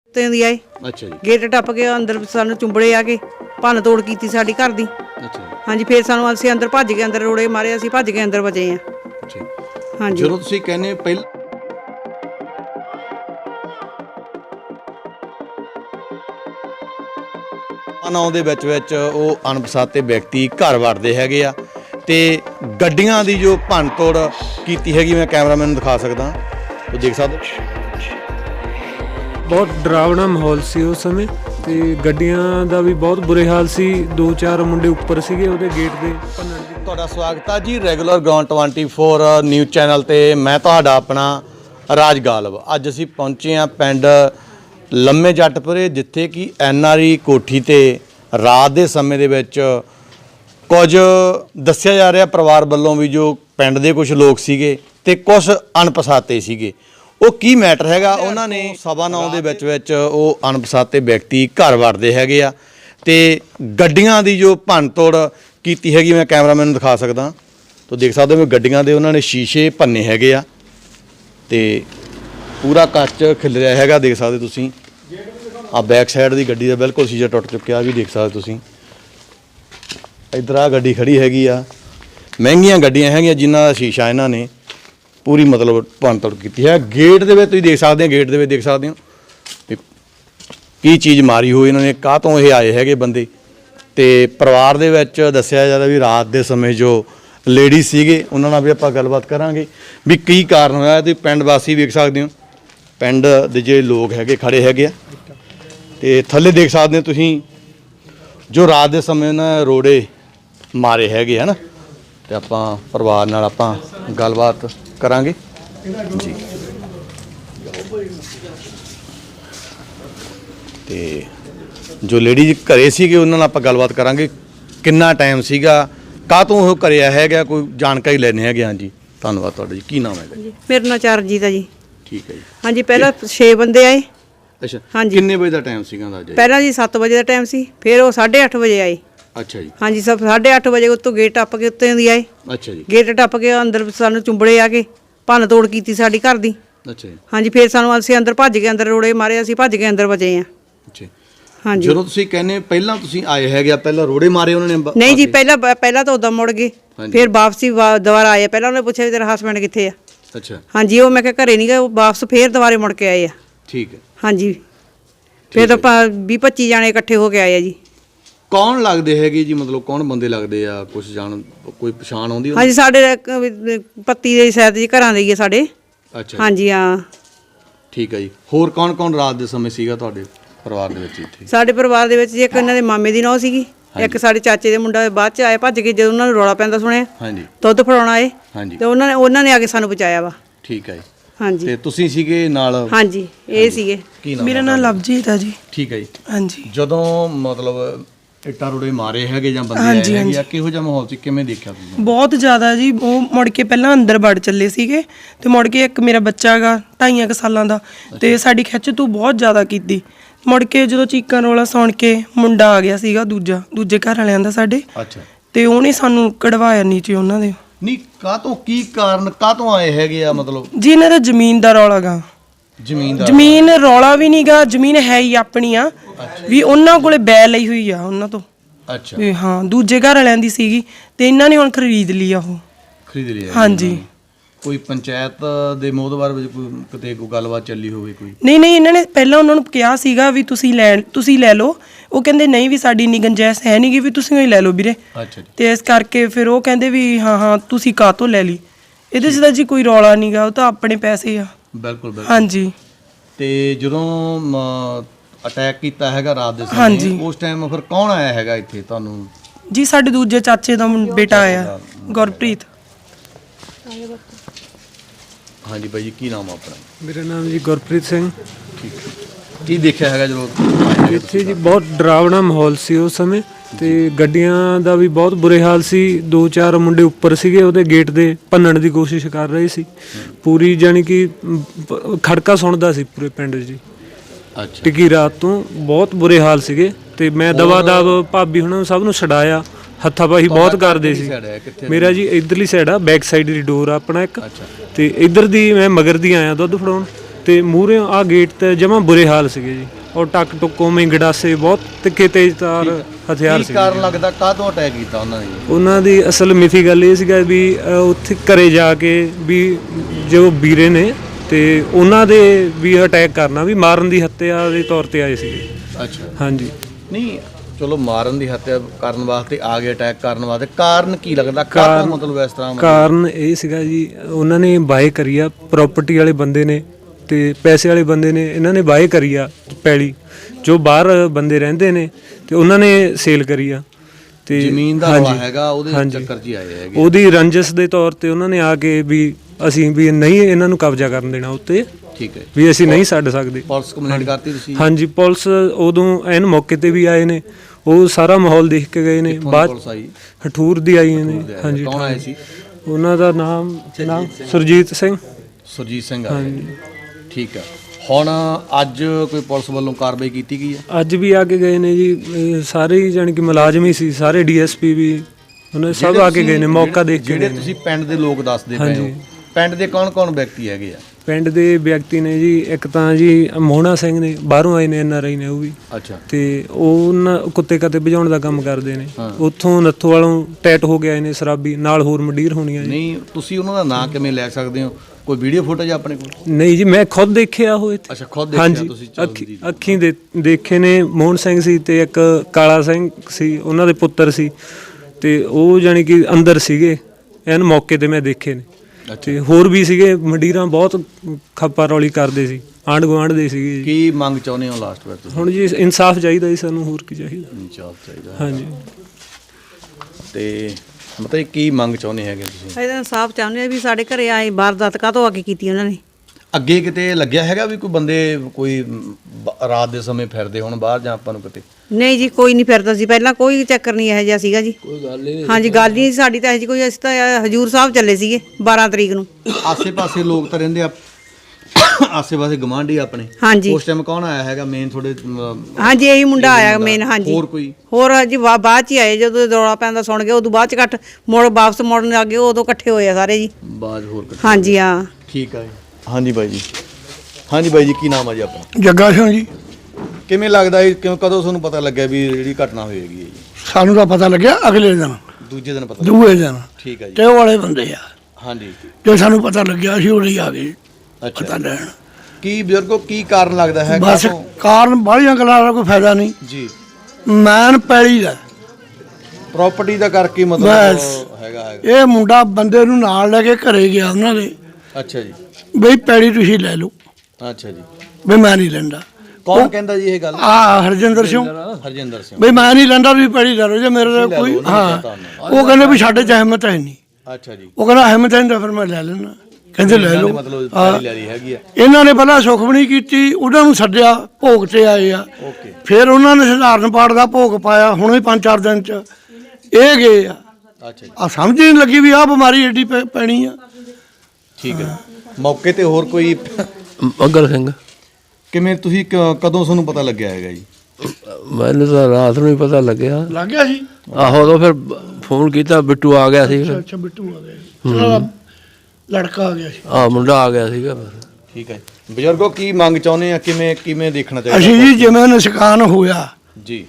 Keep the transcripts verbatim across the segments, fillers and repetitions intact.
ਦੀ ਆਏ। ਅੱਛਾ ਜੀ। ਗੇਟ ਟੱਪ ਕੇ ਅੰਦਰ ਸਾਨੂੰ ਚੁੰਬੜੇ ਆ ਕੇ ਭੰਨ ਤੋੜ ਕੀਤੀ ਸਾਡੀ ਘਰ ਦੀ। ਅੱਛਾ ਹਾਂਜੀ, ਫਿਰ ਸਾਨੂੰ ਅਸੀਂ ਅੰਦਰ ਭੱਜ ਕੇ ਅੰਦਰ ਰੋੜੇ ਮਾਰੇ, ਅਸੀਂ ਭੱਜ ਕੇ ਅੰਦਰ ਬਚੇ ਆ। ਅੱਛਾ। ਹਾਂਜੀ, ਜਦੋਂ ਤੁਸੀਂ ਕਹਿੰਦੇ ਪਹਿਲਾਂ ਨਾਉ ਦੇ ਵਿੱਚ ਵਿੱਚ ਉਹ ਅਣਪਛਾਤੇ ਵਿਅਕਤੀ ਘਰ ਵੜਦੇ ਹੈਗੇ ਆ ਤੇ ਗੱਡੀਆਂ ਦੀ ਜੋ ਭੰਨ ਤੋੜ ਕੀਤੀ ਹੈਗੀ, ਮੈਂ ਕੈਮਰਾਮੈਨ ਨੂੰ ਦਿਖਾ ਸਕਦਾ, ਉਹ ਦੇਖ ਸਕਦੇ। ਬਹੁਤ ਡਰਾਵਣਾ ਮਾਹੌਲ ਸੀ ਉਸ ਸਮੇਂ ਤੇ ਗੱਡੀਆਂ ਦਾ ਵੀ ਬਹੁਤ ਬੁਰੇ ਹਾਲ ਸੀ। ਦੋ ਚਾਰ ਮੁੰਡੇ ਉੱਪਰ ਸੀਗੇ ਉਹਦੇ ਗੇਟ ਦੇ ਭੰਨਣ ਦੀ। ਤੁਹਾਡਾ ਸਵਾਗਤ ਹੈ ਜੀ ਰੈਗੂਲਰ ਗਰਾਊਂਡ ਚੌਵੀ ਨਿਊਜ਼ ਚੈਨਲ ਤੇ। ਮੈਂ ਤੁਹਾਡਾ ਆਪਣਾ ਰਾਜ ਗਾਲਵ। ਅੱਜ ਅਸੀਂ ਪਹੁੰਚੇ ਹਾਂ ਪਿੰਡ ਲੰਮੇ ਜੱਟਪੁਰੇ, ਜਿੱਥੇ ਕਿ ਐਨ ਆਰ ਆਈ ਕੋਠੀ ਤੇ ਰਾਤ ਦੇ ਸਮੇਂ ਦੇ ਵਿੱਚ ਕੁਝ ਦੱਸਿਆ ਜਾ ਰਿਹਾ ਪਰਿਵਾਰ ਵੱਲੋਂ ਵੀ ਜੋ ਪਿੰਡ ਦੇ ਕੁਝ ਲੋਕ ਸੀਗੇ ਤੇ ਕੁਝ ਅਣਪਛਾਤੇ ਸੀਗੇ। ਉਹ ਕੀ ਮੈਟਰ ਹੈਗਾ, ਉਹਨਾਂ ਨੇ ਸਵਾ ਨੌ ਦੇ ਵਿੱਚ ਵਿੱਚ ਉਹ ਅਣਪਛਾਤੇ ਵਿਅਕਤੀ ਘਰ ਵੜਦੇ ਹੈਗੇ ਆ ਤੇ ਗੱਡੀਆਂ ਦੀ ਜੋ ਭੰਨ ਤੋੜ ਕੀਤੀ ਹੈਗੀ, ਮੈਂ ਕੈਮਰਾਮੈਨ ਨੂੰ ਦਿਖਾ ਸਕਦਾ, ਤੋ ਦੇਖ ਸਕਦੇ ਹੋ ਗੱਡੀਆਂ ਦੇ ਉਹਨਾਂ ਨੇ ਸ਼ੀਸ਼ੇ ਭੰਨੇ ਹੈਗੇ ਆ ਤੇ ਪੂਰਾ ਕੱਚ ਖਿਲਰਿਆ ਹੈਗਾ, ਦੇਖ ਸਕਦੇ ਤੁਸੀਂ। ਆ ਬੈਕ ਸਾਈਡ ਦੀ ਗੱਡੀ ਦਾ ਬਿਲਕੁਲ ਸ਼ੀਸ਼ਾ ਟੁੱਟ ਚੁੱਕਿਆ, ਵੀ ਦੇਖ ਸਕਦੇ ਤੁਸੀਂ। ਇੱਧਰ ਆ ਗੱਡੀ ਖੜੀ ਹੈਗੀ ਆ, ਮਹਿੰਗੀਆਂ ਗੱਡੀਆਂ ਹੈਗੀਆਂ ਜਿਨ੍ਹਾਂ ਦਾ ਸ਼ੀਸ਼ਾ ਇਹਨਾਂ ਨੇ ਪੂਰੀ ਮਤਲਬ ਭੰਨ ਤੋੜ ਕੀਤੀ ਹੈ। ਗੇਟ ਦੇ ਵਿੱਚ ਤੁਸੀਂ ਦੇਖ ਸਕਦੇ ਹੋ, ਗੇਟ ਦੇ ਵਿੱਚ ਦੇਖ ਸਕਦੇ ਹੋ ਕੀ ਚੀਜ਼ ਮਾਰੀ ਹੋਈ ਇਹਨਾਂ ਨੇ, ਕਾਹ ਤੋਂ ਇਹ ਆਏ ਹੈਗੇ ਬੰਦੇ। ਤੇ ਪਰਿਵਾਰ ਦੇ ਵਿੱਚ ਦੱਸਿਆ ਜਾਂਦਾ ਵੀ ਰਾਤ ਦੇ ਸਮੇਂ ਜੋ ਲੇਡੀ ਸੀਗੇ ਉਹਨਾਂ ਨਾਲ ਵੀ ਆਪਾਂ ਗੱਲਬਾਤ ਕਰਾਂਗੇ ਵੀ ਕੀ ਕਾਰਨ ਹੋਇਆ। ਤੁਸੀਂ ਪਿੰਡ ਵਾਸੀ ਵੇਖ ਸਕਦੇ ਹੋ, ਪਿੰਡ ਦੇ ਜਿਹੜੇ ਲੋਕ ਹੈਗੇ ਖੜੇ ਹੈਗੇ ਆ ਤੇ ਥੱਲੇ ਦੇਖ ਸਕਦੇ ਹੋ ਤੁਸੀਂ ਜੋ ਰਾਤ ਦੇ ਸਮੇਂ ਉਹਨਾਂ ਰੋੜੇ ਮਾਰੇ ਹੈਗੇ ਹੈ ਨਾ। ਤੇ ਆਪਾਂ ਪਰਿਵਾਰ ਨਾਲ ਆਪਾਂ ਗੱਲਬਾਤ ਕਰਾਂਗੇ ਜੀ। ਤੇ ਜੋ ਲੇਡੀ ਘਰੇ ਸੀਗੇ ਉਹਨਾਂ ਨਾਲ ਆਪਾਂ ਗੱਲਬਾਤ ਕਰਾਂਗੇ, ਕਿੰਨਾ ਟਾਈਮ ਸੀਗਾ, ਕਾਹ ਤੋਂ ਉਹ ਘਰੇ ਆਇਆ ਹੈਗਾ, ਕੋਈ ਜਾਣਕਾਰੀ ਲੈਣੀ ਹੈਗੇ। ਹਾਂਜੀ, ਧੰਨਵਾਦ ਤੁਹਾਡਾ ਜੀ। ਕੀ ਨਾਮ ਹੈਗਾ ਜੀ? ਮੇਰਾ ਨਾਂ ਚਰਨਜੀਤ ਆ ਜੀ। ਠੀਕ ਹੈ ਜੀ। ਹਾਂਜੀ, ਪਹਿਲਾਂ ਛੇ ਬੰਦੇ ਆਏ। ਅੱਛਾ, ਹਾਂਜੀ। ਕਿੰਨੇ ਵਜੇ ਦਾ ਟਾਈਮ ਸੀਗਾ ਅੰਦਾਜ਼ਾ? ਪਹਿਲਾਂ ਜੀ ਸੱਤ ਵਜੇ ਦਾ ਟਾਈਮ ਸੀ, ਫਿਰ ਉਹ ਸਾਢੇ ਅੱਠ ਵਜੇ ਆਏ। ਅੱਛਾ ਜੀ। ਹਾਂਜੀ, ਸਭ ਸਾਢੇ ਅੱਠ ਵਜੇ ਉੱਤੋਂ ਗੇਟ ਟੱਪ ਕੇ ਉੱਤੇ ਦੀ ਆਏ। ਅੱਛਾ ਜੀ। ਗੇਟ ਟੱਪ ਕੇ ਅੰਦਰ ਸਾਨੂੰ ਚੁੰਬੜੇ ਆ ਕੇ ਭੰਨ ਤੋੜ ਕੀਤੀ ਸਾਡੀ ਘਰ ਦੀ। ਅੱਛਾ ਜੀ। ਹਾਂਜੀ, ਫਿਰ ਸਾਨੂੰ ਅਸੀਂ ਅੰਦਰ ਭੱਜ ਕੇ ਅੰਦਰ ਰੋੜੇ ਮਾਰੇ, ਅਸੀਂ ਭੱਜ ਕੇ ਅੰਦਰ ਬਚੇ ਆ। ਅੱਛਾ। ਹਾਂਜੀ, ਜਦੋਂ ਤੁਸੀਂ ਕਹਿੰਦੇ ਪਹਿਲਾਂ ਤੁਸੀਂ ਆਏ ਹੈਗੇ ਆ, ਪਹਿਲਾਂ ਰੋੜੇ ਮਾਰੇ ਉਹਨਾਂ ਨੇ? ਨਹੀਂ ਜੀ, ਪਹਿਲਾਂ ਪਹਿਲਾਂ ਤਾਂ ਉਦਾਂ ਮੁੜ ਗਏ, ਫਿਰ ਵਾਪਸੀ ਦੁਬਾਰਾ ਆਏ। ਪਹਿਲਾਂ ਉਹਨੇ ਪੁੱਛਿਆ ਵੀ ਤੇਰਾ ਹਸਬੈਂਡ ਕਿੱਥੇ ਆ। ਅੱਛਾ। ਹਾਂਜੀ, ਉਹ ਮੈਂ ਕਿਹਾ ਘਰੇ ਨਹੀਂ ਗਏ, ਉਹ ਵਾਪਸ ਫੇਰ ਦੁਬਾਰੇ ਮੁੜ ਕੇ ਆਏ ਆ। ਠੀਕ ਹੈ। ਹਾਂਜੀ, ਫਿਰ ਤਾਂ ਆਪਾਂ ਵੀਹ ਪੱਚੀ ਜਾਣੇ ਇਕੱਠੇ ਹੋ ਕੇ ਆਏ ਆ ਜੀ। ਕੌਣ ਲੱਗਦੇ ਹੈਗੇ ਜੀ, ਮਤਲਬ ਕੌਣ ਬੰਦੇ ਲੱਗਦੇ ਆ, ਕੁਝ ਜਾਣ ਕੋਈ ਪਛਾਣ ਆਉਂਦੀ? ਹਾਂਜੀ, ਸਾਡੇ ਪੱਤੀ ਦੇ ਸ਼ਾਇਦ ਜੀ ਘਰਾਂ ਦੇ ਹੀ ਆ ਸਾਡੇ। ਅੱਛਾ। ਹਾਂਜੀ, ਹਾਂ। ਠੀਕ ਹੈ ਜੀ। ਹੋਰ ਕੌਣ ਕੌਣ ਰਾਤ ਦੇ ਸਮੇਂ ਸੀਗਾ ਤੁਹਾਡੇ ਪਰਿਵਾਰ ਦੇ ਵਿੱਚ ਇੱਥੇ? ਸਾਡੇ ਪਰਿਵਾਰ ਦੇ ਵਿੱਚ ਇੱਕ ਇਹਨਾਂ ਦੇ ਮਾਮੇ ਦੀ ਨੌਂ ਸੀਗੀ, ਇੱਕ ਸਾਡੇ ਚਾਚੇ ਦੇ ਮੁੰਡਾ ਬਾਅਦ ਚ ਆਇਆ ਭੱਜ ਕੇ, ਜਦੋਂ ਉਹਨਾਂ ਨੂੰ ਰੌਲਾ ਪੈਂਦਾ ਸੁਣਿਆ। ਹਾਂਜੀ। ਦੁੱਧ ਫੜਾਉਣਾ ਆਏ। ਹਾਂਜੀ। ਤੇ ਉਹਨਾਂ ਨੇ ਉਹਨਾਂ ਨੇ ਆ ਕੇ ਸਾਨੂੰ ਬਚਾਇਆ ਵਾ। ਠੀਕ ਹੈ ਜੀ। ਹਾਂਜੀ। ਤੇ ਤੁਸੀਂ ਸੀਗੇ ਨਾਲ? ਹਾਂਜੀ, ਇਹ ਸੀਗੇ। ਮੇਰਾ ਨਾਮ ਲਵਜੀਤ ਹੈ ਜੀ। ਠੀਕ ਹੈ ਜੀ। ਹਾਂਜੀ। ਜਦੋਂ ਮਤਲਬ ਇੱਟਾਂ ਰੋੜੇ ਮਾਰੇ ਹੈਗੇ ਜਾਂ ਬੰਦੇ ਆਏ ਹੈਗੇ ਆ, ਕਿਹੋ ਜਿਹਾ ਮਾਹੌਲ ਸੀ, ਕਿਵੇਂ ਦੇਖਿਆ ਤੁਸੀਂ? ਬਹੁਤ ਜ਼ਿਆਦਾ ਜੀ। ਉਹ ਮੁੜ ਕੇ ਪਹਿਲਾਂ ਅੰਦਰ ਵੜ ਚੱਲੇ ਸੀਗੇ ਤੇ ਮੁੜ ਕੇ ਇੱਕ ਮੇਰਾ ਬੱਚਾ ਹੈਗਾ ਢਾਈਆਂ ਕੁ ਸਾਲਾਂ ਦਾ, ਤੇ ਸਾਡੀ ਖਿੱਚ ਤੂੰ ਬਹੁਤ ਜ਼ਿਆਦਾ ਕੀਤੀ। ਮੁੜ ਕੇ ਜਦੋਂ ਚੀਕਾਂ ਰੋਲਾ ਸੁਣ ਕੇ ਮੁੰਡਾ ਆ ਗਿਆ ਸੀਗਾ, ਦੂਜਾ ਦੂਜੇ ਘਰ ਵਾਲਿਆਂ ਦਾ ਸਾਡੇ। ਅੱਛਾ। ਤੇ ਉਹਨੇ ਸਾਨੂੰ ਕਢਵਾਇਆ ਨੀਚੇ ਉਹਨਾਂ ਦੇ। ਨਹੀਂ, ਕਾਹ ਤੋਂ, ਕੀ ਕਾਰਨ, ਕਾਹ ਤੋਂ ਆਏ ਹੈਗੇ ਆ ਮਤਲਬ? ਜੀ ਇਹਨਾਂ ਦਾ ਜ਼ਮੀਨ ਦਾ ਰੌਲਾ ਗਾ। ਜ਼ਮੀਨ ਦਾ? ਜ਼ਮੀਨ ਰੌਲਾ ਵੀ ਨਹੀਂ ਗਾ, ਜ਼ਮੀਨ ਹੈ ਹੀ ਆਪਣੀ ਆ ਵੀ, ਉਹਨਾਂ ਕੋਲੇ ਬੈ ਲਈ ਹੋਈ ਆ ਉਹਨਾਂ ਤੋਂ। ਅੱਛਾ। ਵੀ ਹਾਂ, ਦੂਜੇ ਘਰ ਵਾਲਿਆਂ ਦੀ ਸੀਗੀ ਤੇ ਇਹਨਾਂ ਨੇ ਹੁਣ ਖਰੀਦ ਲਈ ਆ। ਉਹ ਖਰੀਦ ਲਿਆ? ਹਾਂਜੀ। ਕੋਈ ਪੰਚਾਇਤ ਦੇ ਮੋਹਦਵਾਰ ਵਿੱਚ ਕੋਈ ਕਿਤੇ ਕੋਈ ਗੱਲਬਾਤ ਚੱਲੀ ਹੋਵੇ ਕੋਈ? ਨਹੀਂ ਨਹੀਂ, ਇਹਨਾਂ ਨੇ ਪਹਿਲਾਂ ਉਹਨਾਂ ਨੂੰ ਕਿਹਾ ਸੀਗਾ ਵੀ ਤੁਸੀਂ ਲੈ ਤੁਸੀਂ ਲੈ ਲਓ। ਉਹ ਕਹਿੰਦੇ ਨਹੀਂ ਵੀ ਸਾਡੀ ਇੰਨੀ ਗੁੰਜਾਇਸ਼ ਹੈ ਨਹੀਂ ਗੀ, ਵੀ ਤੁਸੀਂ ਹੀ ਲੈ ਲਓ ਵੀਰੇ। ਅੱਛਾ। ਤੇ ਇਸ ਕਰਕੇ ਫਿਰ ਉਹ ਕਹਿੰਦੇ ਵੀ ਹਾਂ ਹਾਂ ਤੁਸੀਂ ਕਾਹਤੋਂ ਲੈ ਲਈ। ਇਹਦੇ 'ਚ ਤਾਂ ਜੀ ਕੋਈ ਰੌਲਾ ਨਹੀਂ ਗਾ, ਉਹ ਤਾਂ ਆਪਣੇ ਪੈਸੇ ਆ। ਬਿਲਕੁਲ ਬਿਲਕੁਲ। ਹਾਂਜੀ। ਤੇ ਜਦੋਂ ਅਟੈਕ ਕੀਤਾ ਹੈਗਾ ਰਾਤ ਦੇ ਸਮੇਂ, ਉਸ ਟਾਈਮ ਫਿਰ ਕੌਣ ਆਇਆ ਹੈਗਾ ਇੱਥੇ ਤੁਹਾਨੂੰ? ਜੀ ਸਾਡੇ ਦੂਜੇ ਚਾਚੇ ਦਾ ਬੇਟਾ ਆਇਆ, ਗੁਰਪ੍ਰੀਤ। ਹਾਂਜੀ ਬਾਈ ਜੀ, ਕੀ ਨਾਮ ਆ ਆਪਣਾ? ਮੇਰਾ ਨਾਮ ਜੀ ਗੁਰਪ੍ਰੀਤ ਸਿੰਘ। ਠੀਕ। ਕੀ ਦੇਖਿਆ ਹੈਗਾ ਜਦੋਂ ਇੱਥੇ ਜੀ? ਬਹੁਤ ਡਰਾਵਣਾ ਮਾਹੌਲ ਸੀ ਉਸ ਸਮੇਂ ਤੇ ਗੱਡੀਆਂ ਦਾ ਵੀ ਬਹੁਤ ਬੁਰੇ ਹਾਲ ਸੀ। ਦੋ ਚਾਰ ਮੁੰਡੇ ਉੱਪਰ ਸੀਗੇ ਉਹਦੇ ਗੇਟ ਦੇ ਭੰਨਣ ਦੀ ਕੋਸ਼ਿਸ਼ ਕਰ ਰਹੇ ਸੀ ਪੂਰੀ, ਜਾਣੀ ਕਿ ਖੜਕਾ ਸੁਣਦਾ ਸੀ ਪੂਰੇ ਪਿੰਡ ਜੀ। ਅੱਛਾ। ਟਿੱਕੀ ਰਾਤ ਤੋਂ ਬਹੁਤ ਬੁਰੇ ਹਾਲ ਸੀਗੇ ਤੇ ਮੈਂ ਦਵਾ ਦਵ ਭਾਬੀ ਹੁਣਾਂ ਨੂੰ ਸਭ ਨੂੰ ਛਡਾਇਆ। ਹੱਥਾਪਾਈ ਬਹੁਤ ਕਰਦੇ ਸੀ। ਮੇਰਾ ਜੀ ਇਧਰਲੀ ਸਾਈਡ ਆ, ਬੈਕ ਸਾਈਡ ਦੀ ਡੋਰ ਆ ਆਪਣਾ ਇੱਕ, ਤੇ ਇਧਰ ਦੀ ਮੈਂ ਮਗਰ ਦੀ ਆਇਆ ਦੁੱਧ ਫੜਾਉਣ, ਤੇ ਮੂਹਰੇ ਆ ਗੇਟ ਤੇ ਜਮਾਂ ਬੁਰੇ ਹਾਲ ਸੀਗੇ ਜੀ। ਔਰ ਟੱਕ ਟੁੱਕ ਉਵੇਂ ਹੀ ਗੜਾਸੇ ਬਹੁਤ ਤਿੱਖੇ ਤੇਜ਼ਧਾਰ ਹਥਿਆਰ ਕੀ ਸੀ। ਕਾਰਨ ਲੱਗਦਾ ਕਾਹਤੋਂ ਅਟੈਕ ਕੀਤਾ ਉਹਨਾਂ ਨੇ? ਉਹਨਾਂ ਦੀ ਅਸਲ ਮਿਥੀ ਗੱਲ ਇਹ ਸੀਗਾ ਵੀ ਅ, ਉੱਥੇ ਘਰੇ ਜਾ ਕੇ ਵੀ ਜੋ ਵੀਰੇ ਨੇ ਤੇ ਉਹਨਾਂ ਦੇ ਵੀ ਅਟੈਕ ਕਰਨਾ, ਵੀ ਮਾਰਨ ਦੀ ਹੱਤਿਆ ਦੇ ਤੌਰ ਤੇ ਆਏ ਸੀਗੇ। ਅੱਛਾ, ਹਾਂਜੀ। ਨਹੀਂ ਚਲੋ ਮਾਰਨ ਦੀ ਹੱਤਿਆ ਕਰਨ ਵਾਸਤੇ ਆ ਗਏ, ਅਟੈਕ ਕਰਨ ਵਾਸਤੇ। ਕਾਰਨ ਕੀ ਲੱਗਦਾ ਕਾਹਤੋਂ ਮਤਲਬ ਇਸ ਤਰ੍ਹਾਂ? ਕਾਰਨ ਇਹ ਸੀਗਾ ਜੀ, ਉਹਨਾਂ ਨੇ ਬਾਏ ਕਰੀ ਆ, ਪ੍ਰਾਪਰਟੀ ਵਾਲੇ ਬੰਦੇ ਨੇ ਤੇ ਪੈਸੇ ਵਾਲੇ ਬੰਦੇ ਨੇ, ਇਹਨਾਂ ਨੇ ਬਾਏ ਕਰੀ ਆ ਪੈਲੀ, ਜੋ ਬਾਹਰ ਬੰਦੇ ਰਹਿੰਦੇ ਨੇ ਤੇ ਉਹਨਾਂ ਨੇ ਸੇਲ ਕਰੀ ਆ ਤੇ ਜ਼ਮੀਨ ਦਾ ਰੌਲਾ ਹੈਗਾ, ਉਹਦੇ ਚੱਕਰ 'ਚ ਹੀ ਆਏ ਹੈਗੇ। ਉਹਦੀ ਰੰਜਿਸ਼ ਦੇ ਤੌਰ ਤੇ ਉਹਨਾਂ ਨੇ ਆ ਕੇ ਵੀ ਅਸੀਂ ਵੀ ਨਹੀਂ ਇਹਨਾਂ ਨੂੰ ਕਬਜ਼ਾ ਕਰਨ ਦੇਣਾ ਉੱਤੇ, ਠੀਕ ਹੈ, ਵੀ ਅਸੀਂ ਨਹੀਂ ਛੱਡ ਸਕਦੇ। ਪੁਲਿਸ ਕੰਪਲੇਂਟ ਕਰਤੀ ਤੁਸੀਂ? ਹਾਂਜੀ, ਪੁਲਿਸ ਉਦੋਂ ਐਨ ਮੌਕੇ ਤੇ ਵੀ ਆਏ ਨੇ, ਉਹ ਸਾਰਾ ਮਾਹੌਲ ਦੇਖ ਕੇ ਗਏ ਨੇ। ਬਾਅਦ ਪੁਲਿਸ ਆਈ? ਹਠੂਰ ਦੀ ਆਈ ਨੇ। ਹਾਂਜੀ। ਕੌਣ ਆਏ ਸੀ? ਉਹਨਾਂ ਦਾ ਨਾਮ ਨਾਮ ਸੁਰਜੀਤ ਸਿੰਘ। ਸੁਰਜੀਤ ਸਿੰਘ ਆਏ, ਠੀਕ ਹੈ। ਹੁਣ ਅੱਜ ਕੋਈ ਪੁਲਿਸ ਵੱਲੋਂ ਕਾਰਵਾਈ ਕੀਤੀ ਗਈ ਹੈ? ਅੱਜ ਵੀ ਆ ਕੇ ਗਏ ਨੇ ਜੀ, ਅਹ ਸਾਰੇ ਹੀ ਜਾਣੀ ਕਿ ਮੁਲਾਜ਼ਮ ਹੀ ਸੀ, ਸਾਰੇ ਡੀਐਸਪੀ ਵੀ ਉਹਨਾਂ ਸਭ ਆ ਕੇ ਗਏ ਨੇ, ਮੌਕਾ ਦੇਖ ਕੇ। ਜਿਹੜੇ ਤੁਸੀਂ ਪਿੰਡ ਦੇ ਲੋਕ ਦੱਸਦੇ ਪਏ ਹੋ, ਪਿੰਡ ਦੇ ਕੌਣ ਕੌਣ ਵਿਅਕਤੀ ਹੈਗੇ ਆ? ਪਿੰਡ ਦੇ ਵਿਅਕਤੀ ਨੇ ਜੀ, ਇੱਕ ਤਾਂ ਜੀ ਮੋਹਣਾ ਸਿੰਘ ਨੇ, ਬਾਹਰੋਂ ਆਏ ਨੇ, ਐਨ ਆਰ ਆਈ ਨੇ ਉਹ ਵੀ। ਅੱਛਾ। ਤੇ ਉਹ ਉਹਨਾਂ ਕੁੱਤੇ ਕਾਤੇ ਭਜਾਉਣ ਦਾ ਕੰਮ ਕਰਦੇ ਨੇ। ਉੱਥੋਂ ਨੱਥੋ ਵਾਲੋਂ ਟੈਟ ਹੋ ਕੇ ਆਏ ਨੇ ਸ਼ਰਾਬੀ, ਨਾਲ ਹੋਰ ਮੰਡੀਰ ਹੋਣੀਆਂ ਜੀ। ਨਹੀਂ, ਤੁਸੀਂ ਉਹਨਾਂ ਦਾ ਨਾਂ ਕਿਵੇਂ ਲੈ ਸਕਦੇ ਹੋ? ਕੋਈ ਵੀਡੀਓ ਫੁਟੇਜ ਆਪਣੇ ਕੋਲ? ਨਹੀਂ ਜੀ, ਮੈਂ ਖੁਦ ਦੇਖਿਆ ਉਹ ਇੱਥੇ। ਅੱਛਾ, ਖੁਦ ਦੇਖਿਆ ਤੁਸੀਂ? ਅੱਖੀ ਅੱਖੀਂ ਦੇ ਦੇਖੇ ਨੇ। ਮੋਹਨ ਸਿੰਘ ਸੀ ਤੇ ਇੱਕ ਕਾਲਾ ਸਿੰਘ ਸੀ, ਉਹਨਾਂ ਦੇ ਪੁੱਤਰ ਸੀ, ਤੇ ਉਹ ਜਾਣੀ ਕਿ ਅੰਦਰ ਸੀਗੇ ਐਨ ਮੌਕੇ ਤੇ ਮੈਂ ਦੇਖੇ ਨੇ। ਤੇ ਹੋਰ ਵੀ ਸੀਗੇ ਮੰਡੀਰਾਂ, ਬਹੁਤ ਖੱਪਾ ਰੌਲੀ ਕਰਦੇ ਸੀ, ਆਂਢ ਗੁਆਂਢ ਦੇ ਸੀਗੇ। ਕੀ ਮੰਗ ਚਾਹੁੰਦੇ ਹੋ ਲਾਸਟ ਵਾਰ ਤੁਸੀਂ? ਹੁਣ ਜੀ ਇਨਸਾਫ ਚਾਹੀਦਾ ਜੀ ਸਾਨੂੰ, ਹੋਰ ਕੀ ਚਾਹੀਦਾ? ਇਨਸਾਫ ਚਾਹੀਦਾ। ਹਾਂਜੀ। ਤੇ ਮਤਲਬ ਕੀ ਮੰਗ ਚਾਹੁੰਦੇ ਹੈਗੇ ਤੁਸੀਂ? ਇਹਦਾ ਇਨਸਾਫ ਚਾਹੁੰਦੇ ਆ ਵੀ ਸਾਡੇ ਘਰੇ ਆਏ ਵਾਰਦਾਤ ਕਾਹਤੋਂ ਆ ਕੇ ਕੀਤੀ ਉਹਨਾਂ ਨੇ। ਅੱਗੇ ਕਿਤੇ ਲੱਗਿਆ ਹੈਗਾ ਵੀ ਕੋਈ ਬੰਦੇ ਕੋਈ ਬ- ਰਾਤ ਦੇ ਸਮੇਂ ਫਿਰਦੇ ਹੋਣ ਬਾਹਰ, ਜਾਂ ਆਪਾਂ ਨੂੰ ਕਿਤੇ? ਨਹੀਂ ਜੀ, ਕੋਈ ਨਹੀਂ ਫਿਰਦਾ ਸੀ ਪਹਿਲਾਂ, ਕੋਈ ਚੱਕਰ ਨਹੀਂ ਇਹੋ ਜਿਹਾ ਸੀਗਾ ਜੀ। ਕੋਈ ਗੱਲ ਨਹੀਂ। ਹਾਂਜੀ, ਗੱਲ ਨਹੀਂ ਸਾਡੀ ਤਾਂ ਇਹੋ ਜਿਹੀ ਕੋਈ। ਅਸੀਂ ਤਾਂ ਹਜੂਰ ਸਾਹਿਬ ਚੱਲੇ ਸੀਗੇ ਬਾਰਾਂ ਤਰੀਕ ਨੂੰ। ਆਸੇ-ਪਾਸੇ ਲੋਕ ਤਾਂ ਰਹਿੰਦੇ ਆ, ਆਸੇ-ਪਾਸੇ ਗਵਾਂਢੀ ਆਪਣੇ। ਹਾਂਜੀ। ਉਸ ਟਾਈਮ ਕੌਣ ਆਇਆ ਹੈਗਾ ਮੇਨ ਤੁਹਾਡੇ? ਅਮ, ਹਾਂਜੀ, ਇਹੀ ਮੁੰਡਾ ਆਇਆ ਮੇਨ। ਹਾਂਜੀ। ਹੋਰ ਕੋਈ? ਹੋਰ ਜੀ ਬਾ- ਬਾਅਦ ਚ ਹੀ ਆਏ, ਜਦੋਂ ਰੌਲਾ ਪੈਂਦਾ ਸੁਣ ਗਏ, ਉਦੋਂ ਬਾਅਦ ਚ ਇਕੱਠ ਮੁੜ ਵਾਪਸ ਮੁੜਨ ਲੱਗੇ, ਉਦੋਂ ਇਕੱਠੇ ਹੋਏ ਆ ਸਾਰੇ ਜੀ। ਬਾਅਦ ਹੋਰ ਇਕੱਠੇ? ਹਾਂਜੀ ਹਾਂ। ਠੀਕ ਹੈ। ਹਾਂਜੀ ਬਾਈ ਜੀ। ਹਾਂਜੀ ਬਾਈ ਜੀ, ਕੀ ਨਾਮ ਆ ਜੀ ਆਪਣਾ? ਜੱਗਾ ਸਿੰਘ ਜੀ। ਕਿਵੇਂ ਲੱਗਦਾ ਇਹ, ਕਿਉਂ ਕਦੋਂ ਤੁਹਾਨੂੰ ਪਤਾ ਲੱਗਿਆ ਵੀ ਜਿਹੜੀ ਘਟਨਾ ਹੋਈ ਹੈਗੀ ਹੈ ਜੀ? ਸਾਨੂੰ ਤਾਂ ਪਤਾ ਲੱਗਿਆ ਅਗਲੇ ਦਿਨ, ਦੂਜੇ ਦਿਨ ਪਤਾ? ਦੂਏ ਦਿਨ। ਠੀਕ ਹੈ ਜੀ। ਤੇ ਉਹ ਵਾਲੇ ਬੰਦੇ ਆ, ਹਾਂਜੀ। ਜੋ ਸਾਨੂੰ ਪਤਾ ਲੱਗਿਆ ਅਸੀਂ ਉਰੇ ਹੀ ਆ ਗਏ ਅੱਛਾ। ਪਤਾ ਲੈਣ। ਕੀ ਬਜ਼ੁਰਗੋ ਕੀ ਕਾਰਨ ਲੱਗਦਾ ਹੈ? ਬਸ ਕਾਹਤੋਂ? ਕਾਰਨ ਬਾਹਲੀਆਂ ਗੱਲਾਂ ਦਾ ਕੋਈ ਫਾਇਦਾ ਨਹੀਂ। ਜੀ। ਮੈਨ ਪੈਲੀ ਦਾ ਪ੍ਰਾਪਰਟੀ ਦਾ ਕਰਕੇ ਮਤਲਬ ਬਸ। ਹੈਗਾ ਹੈਗਾ ਇਹ ਮੁੰਡਾ ਬੰਦੇ ਨੂੰ ਨਾਲ ਲੈ ਕੇ ਘਰੇ ਗਿਆ ਉਹਨਾਂ ਦੇ, ਅੱਛਾ ਜੀ। ਬਈ ਪੈਲੀ ਤੁਸੀਂ ਲੈ ਲਓ, ਅੱਛਾ ਜੀ। ਬਈ ਮੈਂ ਨਹੀਂ ਲੈਂਦਾ। ਕੌਣ ਕਹਿੰਦਾ ਜੀ ਇਹ ਗੱਲ? ਆ ਹਰਜਿੰਦਰ ਸਿੰਘ, ਹਰਜਿੰਦਰ ਸਿੰਘ। ਬਈ ਮੈਂ ਨਹੀਂ ਲੈਂਦਾ, ਤੁਸੀਂ ਪੈਲੀ ਲੈ ਲਓ ਜੇ ਮੇਰੇ ਨਾਲ ਕੋਈ। ਹਾਂ, ਉਹ ਕਹਿੰਦੇ ਵੀ ਸਾਡੇ ਚ ਅਹਿਮਤ ਹੈ ਨਹੀਂ। ਅੱਛਾ ਜੀ। ਉਹ ਕਹਿੰਦਾ ਅਹਿਮਤ ਹੈ ਨਹੀਂ ਤਾਂ ਫਿਰ ਮੈਂ ਲੈ ਲੈਣਾ। ਕਹਿੰਦੇ ਲੈ ਲਓ। ਮਤਲਬ ਪੈਲੀ ਲੈ ਲਈ ਹੈਗੀ ਆ। ਇਹਨਾਂ ਨੇ ਪਹਿਲਾਂ ਸੁਖਮਣੀ ਕੀਤੀ, ਉਹਨਾਂ ਨੂੰ ਸੱਦਿਆ, ਭੋਗ ਤੇ ਆਏ ਆ। ਓਕੇ। ਫਿਰ ਉਹਨਾਂ ਨੇ ਸਧਾਰਨ ਪਾਠ ਦਾ ਭੋਗ ਪਾਇਆ, ਹੁਣ ਵੀ ਪੰਜ ਚਾਰ ਦਿਨ ਚ ਇਹ ਗਏ ਆ। ਅੱਛਾ ਜੀ। ਆ ਸਮਝ ਹੀ ਨਹੀਂ ਲੱਗੀ ਵੀ ਆਹ ਬਿਮਾਰੀ ਏਡੀ ਪੈ- ਪੈਣੀ ਆ। ਠੀਕ ਹੈ। ਮੌਕੇ ਤੇ ਹੋਰ ਕੋਈ? ਮੱਗਰ ਸਿੰਘ। ਕਿਵੇਂ ਤੁਸੀਂ ਕ- ਕਦੋਂ ਤੁਹਾਨੂੰ ਪਤਾ ਲੱਗਿਆ ਹੈਗਾ ਜੀ? ਮੈਨੂੰ ਤਾਂ ਰਾਤ ਨੂੰ ਹੀ ਪਤਾ ਲੱਗਿਆ। ਲੱਗ ਗਿਆ ਸੀ। ਆਹੋ, ਉਦੋਂ ਫਿਰ ਫੋਨ ਕੀਤਾ, ਬਿੱਟੂ ਆ ਗਿਆ ਸੀ। ਅੱਛਾ, ਬਿੱਟੂ ਆ ਗਿਆ, ਲੜਕਾ ਆ ਗਿਆ ਸੀ। ਆ ਮੁੰਡਾ ਆ ਗਿਆ ਸੀਗਾ ਫਿਰ। ਠੀਕ ਹੈ। ਬਜ਼ੁਰਗੋ ਕੀ ਮੰਗ ਚਾਹੁੰਦੇ ਆ, ਕਿਵੇਂ ਕਿਵੇਂ ਦੇਖਣਾ ਚਾਹੀਦਾ? ਅਸੀਂ ਜੀ ਜਿਵੇਂ ਨੁਕਸਾਨ ਹੋਇਆ, ਜੀ।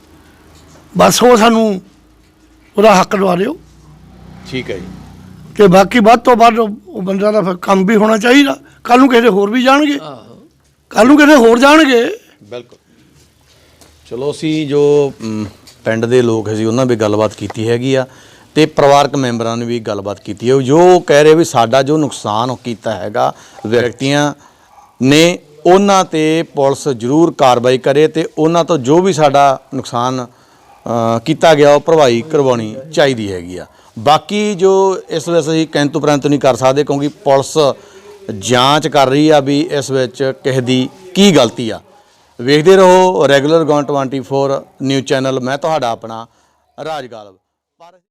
ਬਸ ਉਹ ਸਾਨੂੰ ਉਹਦਾ ਹੱਕ ਦਵਾ ਦਿਓ। ਠੀਕ ਹੈ ਜੀ। ਤੇ ਬਾਕੀ ਵੱਧ ਤੋਂ ਵੱਧ ਉਹ ਬੰਦਾ ਦਾ ਫਿਰ ਕੰਮ ਵੀ ਹੋਣਾ ਚਾਹੀਦਾ। ਕੱਲ ਨੂੰ ਕਿਸੇ ਹੋਰ ਵੀ ਜਾਣਗੇ, ਕੱਲ ਨੂੰ ਕਿਸੇ ਹੋਰ ਜਾਣਗੇ। ਬਿਲਕੁਲ। ਚਲੋ ਅਸੀਂ ਜੋ ਮ, ਪਿੰਡ ਦੇ ਲੋਕ ਸੀ ਉਹਨਾਂ ਵੀ ਗੱਲਬਾਤ ਕੀਤੀ ਹੈਗੀ ਆ, ਤੇ ਪਰਿਵਾਰਕ ਮੈਂਬਰਾਂ ਨੇ ਵੀ ਗੱਲਬਾਤ ਕੀਤੀ ਹੈ, ਜੋ ਕਹਿ ਰਹੇ ਵੀ ਸਾਡਾ ਜੋ ਨੁਕਸਾਨ ਕੀਤਾ ਹੈਗਾ ਵਿਅਕਤੀਆਂ ਨੇ, ਉਹਨਾਂ ਤੇ ਪੁਲਿਸ ਜ਼ਰੂਰ ਕਾਰਵਾਈ ਕਰੇ ਤੇ ਉਹਨਾਂ ਤੋਂ ਜੋ ਵੀ ਸਾਡਾ ਨੁਕਸਾਨ ਅ, ਕੀਤਾ ਗਿਆ ਉਹ ਭਰਵਾਈ ਕਰਵਾਉਣੀ ਚਾਹੀਦੀ ਹੈਗੀ ਆ। ਬਾਕੀ ਜੋ ਇਸ ਵਿੱਚ ਅਸੀਂ ਕਿੰਤੂ ਪ੍ਰੰਤੂ ਨਹੀਂ ਕਰ ਸਕਦੇ, ਕਿਉਂਕਿ ਪੁਲਿਸ ਜਾਂਚ ਕਰ ਰਹੀ ਆ ਵੀ ਇਸ ਵਿੱਚ ਕਿਸੇ ਦੀ ਕੀ ਗਲਤੀ ਆ। ਵੇਖਦੇ ਰਹੋ regular ground twenty four news channel. ਮੈਂ ਤੁਹਾਡਾ ਆਪਣਾ ਰਾਜ ਗਾਲਬ। ਪਰ